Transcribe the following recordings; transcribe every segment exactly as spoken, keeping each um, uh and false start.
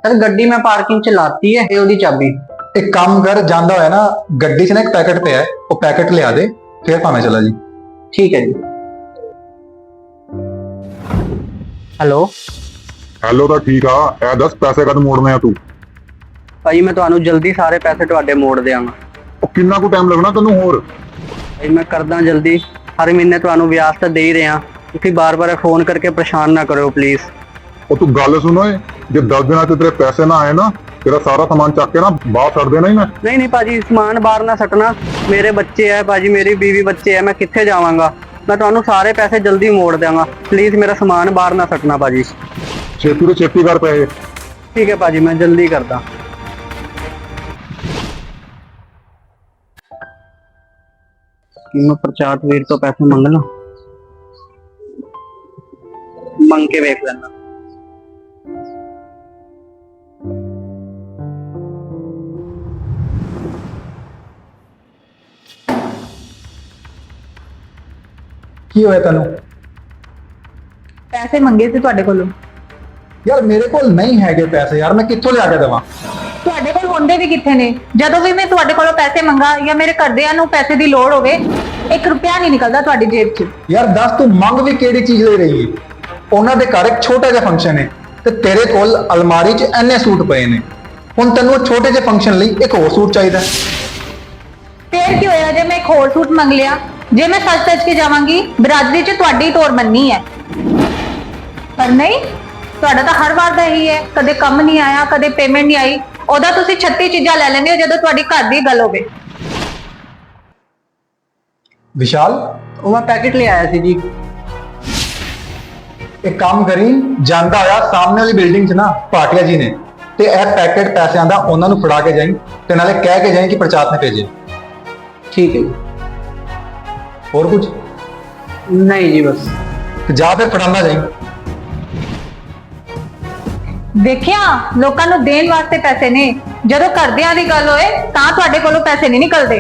Sir गड्डी मैं parking च लाती है ये ओदी चाबी। एक काम कर, जांदा होया ना गड्डी च ना एक पैकेट पे है, वो पैकेट लिया दे फिर भावें चला जी। ठीक है जी। हेलो ਹੈਲੋ ਤਾਂ ਠੀਕ ਆ। ਇਹ ਦੱਸ ਪੈਸੇ ਕਦ ਮੋੜਨੇ ਆ ਤੂੰ? भाई मैं ਤੁਹਾਨੂੰ ਜਲਦੀ ਸਾਰੇ ਪੈਸੇ ਤੁਹਾਡੇ ਮੋੜ ਦਿਆਂਗਾ। ਉਹ ਕਿੰਨਾ ਕੁ ਟਾਈਮ ਲੱਗਣਾ ਤੈਨੂੰ ਹੋਰ? भाई मैं करदा जल्दी, हर महीने ਤੁਹਾਨੂੰ ਵਿਆਜ ਤਾਂ ਦੇ ਹੀ ਰਿਹਾ। ਤੁਸੀਂ ਬਾਰ-ਬਾਰ ਫੋਨ ਕਰਕੇ ਪਰੇਸ਼ਾਨ ਨਾ ਕਰਿਓ ਪਲੀਜ਼। ਉਹ ਤੂੰ ਗੱਲ ਸੁਣ ਓਏ, ਜੇ ਦਸ ਦਿਨਾਂ ਚ ਤੇਰੇ ਪੈਸੇ ਨਾ ਆਏ ਨਾ ਤੇਰਾ ਸਾਰਾ ਸਮਾਨ ਚੱਕ ਕੇ ਨਾ ਬਾਹਰ ਛੱਡ ਦੇਣਾ ਹੀ ਮੈਂ। नहीं नहीं भाजी समान बाहर ना सटना, मेरे बच्चे है भाजी, मेरी बीवी बच्चे है, मैं कित्थे जावांगा। मैं ਤੁਹਾਨੂੰ ਸਾਰੇ ਪੈਸੇ ਜਲਦੀ ਮੋੜ ਦਿਆਂਗਾ, प्लीज मेरा समान बाहर ना सटना भाजी। ਛੇਤੀ ਤੋਂ ਛੇਤੀ ਕਰ ਪੈਸੇ। ठीक है भाजी मैं जल्दी करदा। कि मैं प्रचात वीर तो पैसे मंग ला, मंग के वेख लेना। ਕੀ ਹੋਇਆ ਤੈਨੂੰ? ਪੈਸੇ ਮੰਗੇ ਸੀ ਤੁਹਾਡੇ ਕੋਲੋਂ। ਯਾਰ ਮੇਰੇ ਕੋਲ ਨਹੀਂ ਹੈਗੇ ਪੈਸੇ ਯਾਰ, ਮੈਂ ਕਿੱਥੋਂ ਲਿਆ ਕੇ ਦੇਵਾਂ? ਤੁਹਾਡੇ ਕੋਲ ਹੁੰਦੇ ਵੀ ਕਿੱਥੇ ਨੇ? ਜਦੋਂ ਵੀ ਮੈਂ ਤੁਹਾਡੇ ਕੋਲੋਂ ਪੈਸੇ ਮੰਗਾ ਜਾਂ ਮੇਰੇ ਘਰਦਿਆਂ ਨੂੰ ਪੈਸੇ ਦੀ ਲੋੜ ਹੋਵੇ, ਇੱਕ ਰੁਪਿਆ ਨਹੀਂ ਨਿਕਲਦਾ ਤੁਹਾਡੀ ਜੇਬ 'ਚ। ਯਾਰ ਦੱਸ ਤੂੰ ਮੰਗ ਵੀ ਕਿਹੜੀ ਚੀਜ਼ ਲੈ ਰਹੀ ਹੈ? ਉਹਨਾਂ ਦੇ ਘਰ ਇੱਕ ਛੋਟਾ ਜਿਹਾ ਫੰਕਸ਼ਨ ਹੈ ਤੇ ਤੇਰੇ ਕੋਲ ਅਲਮਾਰੀ 'ਚ ਇੰਨੇ ਸੂਟ ਪਏ ਨੇ, ਹੁਣ ਤੈਨੂੰ ਉਹ ਛੋਟੇ ਜਿਹੇ ਫੰਕਸ਼ਨ ਲਈ ਇੱਕ ਹੋਰ ਸੂਟ ਚਾਹੀਦਾ। ਫੇਰ ਕੀ ਹੋਇਆ ਜੇ ਮੈਂ ਇੱਕ ਹੋਰ ਸੂਟ ਮੰਗ ਲਿਆ? ਜੇ ਮੈਂ ਸੱਚ ਸੱਚ ਕੇ ਜਾਵਾਂਗੀ ਬਰਾਦਰੀ 'ਚ ਤੁਹਾਡੀ ਤੋਰ ਮੰਨੀ ਹੈ, ਪਰ ਨਹੀਂ, ਤੁਹਾਡਾ ਤਾਂ ਹਰ ਵਾਰ ਦਾ ਇਹੀ ਹੈ, ਕਦੇ ਕੰਮ ਨਹੀਂ ਆਇਆ, ਕਦੇ ਪੇਮੈਂਟ ਨਹੀਂ ਆਈ। ਉਹਦਾ ਤੁਸੀਂ ਛੱਤੀ ਚੀਜ਼ਾਂ ਲੈ ਲੈਂਦੇ ਹੋ ਜਦੋਂ ਤੁਹਾਡੀ ਘਰ ਦੀ ਗੱਲ ਹੋਵੇ। ਵਿਸ਼ਾਲ ਉਹ ਮੈਂ ਪੈਕੇਟ ਲੈ ਆਇਆ ਸੀ ਜੀ। ਇੱਕ ਕੰਮ ਕਰੀ, ਜਾਂਦਾ ਹੋਇਆ ਸਾਹਮਣੇ ਵਾਲੀ ਬਿਲਡਿੰਗ 'ਚ ਨਾ ਭਾਟੀਆ ਜੀ ਨੇ, ਤੇ ਇਹ ਪੈਕੇਟ ਪੈਸਿਆਂ ਦਾ ਉਹਨਾਂ ਨੂੰ ਫੜਾ ਕੇ ਜਾਈਂ ਤੇ ਨਾਲੇ ਕਹਿ ਕੇ ਜਾਈਂ ਕਿ ਪ੍ਰਚਾਰ ਨੇ ਭੇਜੇ। ठीक है जी। ਹੋਰ ਕੁਝ नहीं जी बस। ਤੇ ਜਾ ਫਿਰ ਫੜਾਉਂਦਾ ਜਾਈਂ। ਦੇਖਿਆ, ਲੋਕਾਂ ਨੂੰ ਦੇਣ ਵਾਸਤੇ ਪੈਸੇ ਨੇ, ਜਦੋਂ ਘਰਦਿਆਂ ਦੀ ਗੱਲ ਹੋਏ ਤਾਂ ਤੁਹਾਡੇ ਕੋਲੋਂ ਪੈਸੇ ਨਹੀਂ ਨਿਕਲਦੇ।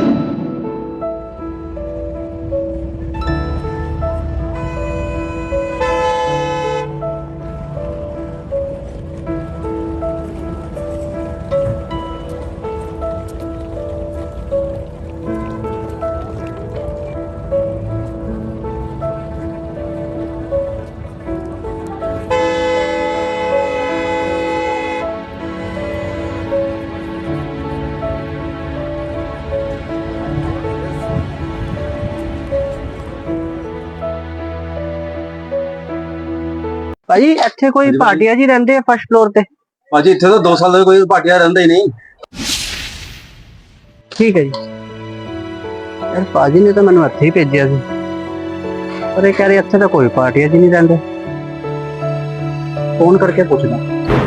ਭਾਜੀ ਇੱਥੇ ਕੋਈ ਭਾਟੀਆ ਜੀ ਰਹਿੰਦੇ ਆ ਫਸਟ ਫਲੋਰ ਤੇ? ਭਾਜੀ ਇੱਥੇ ਤਾਂ ਦੋ ਸਾਲ ਦਾ ਕੋਈ ਭਾਟੀਆ ਰਹਿੰਦਾ ਹੀ ਨਹੀਂ। ਠੀਕ ਹੈ ਜੀ। ਯਾਰ ਭਾਜੀ ਨੇ ਤਾਂ ਮੈਨੂੰ ਇੱਥੇ ਹੀ ਭੇਜਿਆ ਸੀ, ਪਰ ਇਹ ਕਹਿ ਰਹੇ ਇੱਥੇ ਤਾਂ ਕੋਈ ਭਾਟੀਆ ਜੀ ਨਹੀਂ ਰਹਿੰਦੇ। ਫੋਨ ਕਰਕੇ ਪੁੱਛਦਾ।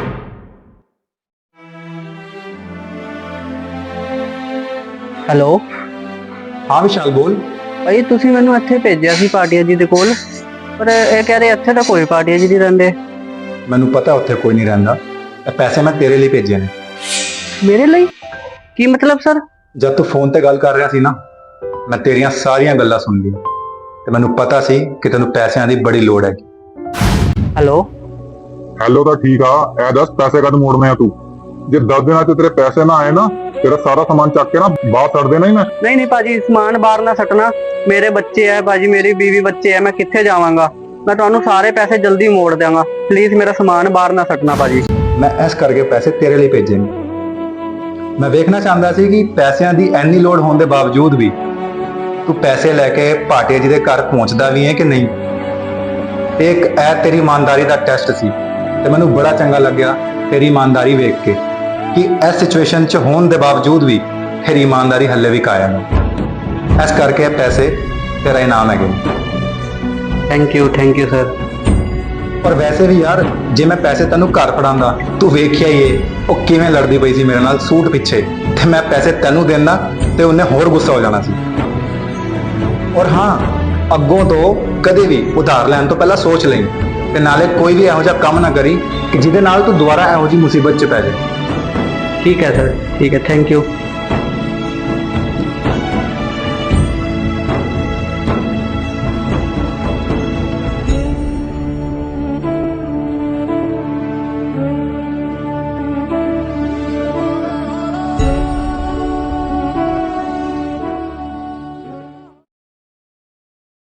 ਹੈਲੋ ਹਾਂ ਵਿਸ਼ਾਲ ਬੋਲ। ਭਾਈ ਤੁਸੀਂ ਮੈਨੂੰ ਇੱਥੇ ਭੇਜਿਆ ਸੀ ਭਾਟੀਆ ਜੀ ਦੇ ਕੋਲ, ਪਰ ਇਹ ਕਹਿ ਰਹੇ ਇੱਥੇ ਤਾਂ ਕੋਈ ਭਾਟੀਆ ਜੀ ਨਹੀਂ ਰਹਿੰਦੇ। ਮੈਨੂੰ ਪਤਾ ਉੱਥੇ ਕੋਈ ਨਹੀਂ ਰਹਿੰਦਾ, ਇਹ ਪੈਸੇ ਮੈਂ ਤੇਰੇ ਲਈ ਭੇਜੇ ਨੇ। ਮੇਰੇ ਲਈ? ਕੀ ਮਤਲਬ ਸਰ? ਜਦ ਤੂੰ ਫੋਨ ਤੇ ਗੱਲ ਕਰ ਰਿਹਾ ਸੀ ਨਾ, ਮੈਂ ਤੇਰੀਆਂ ਸਾਰੀਆਂ ਗੱਲਾਂ ਸੁਣ ਲਈ ਤੇ ਮੈਨੂੰ ਪਤਾ ਸੀ ਕਿ ਤੈਨੂੰ ਪੈਸਿਆਂ ਦੀ ਬੜੀ ਲੋੜ ਹੈ। ਹੈਲੋ ਹੈਲੋ ਤਾਂ ਠੀਕ ਆ। ਇਹ ਦੱਸ ਪੈਸੇ ਕਦ ਮੋੜਨੇ ਆ ਤੂੰ? ਜੇ ਦਸ ਦਿਨਾਂ ਚ ਤੇਰੇ ਪੈਸੇ ਨਾ ਆਏ ਨਾ ਤੇਰਾ ਸਾਰਾ ਸਮਾਨ ਚੱਕ ਕੇ ਨਾ ਬਾਹਰ ਛੱਡ ਦੇਣਾ ਹੀ ਮੈਂ। नहीं नहीं भाजी समान बाहर ना सटना, मेरे बच्चे है भाजी, मेरी बीवी बच्चे है, मैं कित्थे जावांगा। मैं ਤੁਹਾਨੂੰ ਸਾਰੇ ਪੈਸੇ ਜਲਦੀ ਮੋੜ ਦਿਆਂਗਾ, ਪਲੀਜ਼ ਮੇਰਾ ਸਮਾਨ ਬਾਹਰ ਨਾ ਸਟਣਾ ਭਾਜੀ। ਮੈਂ ਇਸ ਕਰਕੇ ਪੈਸੇ ਤੇਰੇ ਲਈ ਭੇਜੇ ਨੇ। ਮੈਂ ਵੇਖਣਾ ਚਾਹੁੰਦਾ ਸੀ ਕਿ ਪੈਸਿਆਂ ਦੀ ਇੰਨੀ ਲੋੜ ਹੋਣ ਦੇ ਬਾਵਜੂਦ ਵੀ ਤੂੰ ਪੈਸੇ ਲੈ ਕੇ ਭਾਟੀਆ ਜੀ ਦੇ ਘਰ ਪਹੁੰਚਦਾ ਵੀ ਹੈ ਕਿ ਨਹੀਂ। ਇੱਕ ਇਹ ਤੇਰੀ ਇਮਾਨਦਾਰੀ ਦਾ ਟੈਸਟ ਸੀ ਤੇ ਮੈਨੂੰ ਬੜਾ ਚੰਗਾ ਲੱਗਿਆ ਤੇਰੀ ਇਮਾਨਦਾਰੀ ਵੇਖ ਕੇ ਕਿ ਇਸ ਸਿਚੁਏਸ਼ਨ 'ਚ ਹੋਣ ਦੇ ਬਾਵਜੂਦ ਵੀ ਤੇਰੀ ਇਮਾਨਦਾਰੀ ਹੱਲੇ ਵੀ ਕਾਇਮ ਹੈ। ਇਸ ਕਰਕੇ ਇਹ ਪੈਸੇ ਤੇਰਾ ਇਨਾਮ ਹੈਗੇ। Thank you thank you sir. ਪਰ ਵੈਸੇ ਵੀ ਯਾਰ, ਜੇ ਮੈਂ ਪੈਸੇ ਤੈਨੂੰ ਘਰ ਫੜਾਉਂਦਾ, ਤੂੰ ਵੇਖਿਆ ਹੀ ਏ ਉਹ ਕਿਵੇਂ ਲੜਦੀ ਪਈ ਸੀ ਮੇਰੇ ਨਾਲ ਸੂਟ ਪਿੱਛੇ, ਤੇ ਮੈਂ ਪੈਸੇ ਤੈਨੂੰ ਦੇਣਾ ਤੇ ਉਹਨੇ ਹੋਰ ਗੁੱਸਾ ਹੋ ਜਾਣਾ ਸੀ। ਔਰ ਹਾਂ, ਅੱਗੋਂ ਤੋਂ ਕਦੇ ਵੀ ਉਧਾਰ ਲੈਣ ਤੋਂ ਪਹਿਲਾਂ ਸੋਚ ਲਈ, ਤੇ ਨਾਲੇ ਕੋਈ ਵੀ ਇਹੋ ਜਿਹਾ ਕੰਮ ਨਾ ਕਰੀ ਕਿ ਜਿਹਦੇ ਨਾਲ ਤੂੰ ਦੁਬਾਰਾ ਇਹੋ ਜਿਹੀ ਮੁਸੀਬਤ 'ਚ ਪੈ ਜਾਏ। ਠੀਕ ਹੈ ਸਰ, ਠੀਕ ਹੈ, ਥੈਂਕ ਯੂ।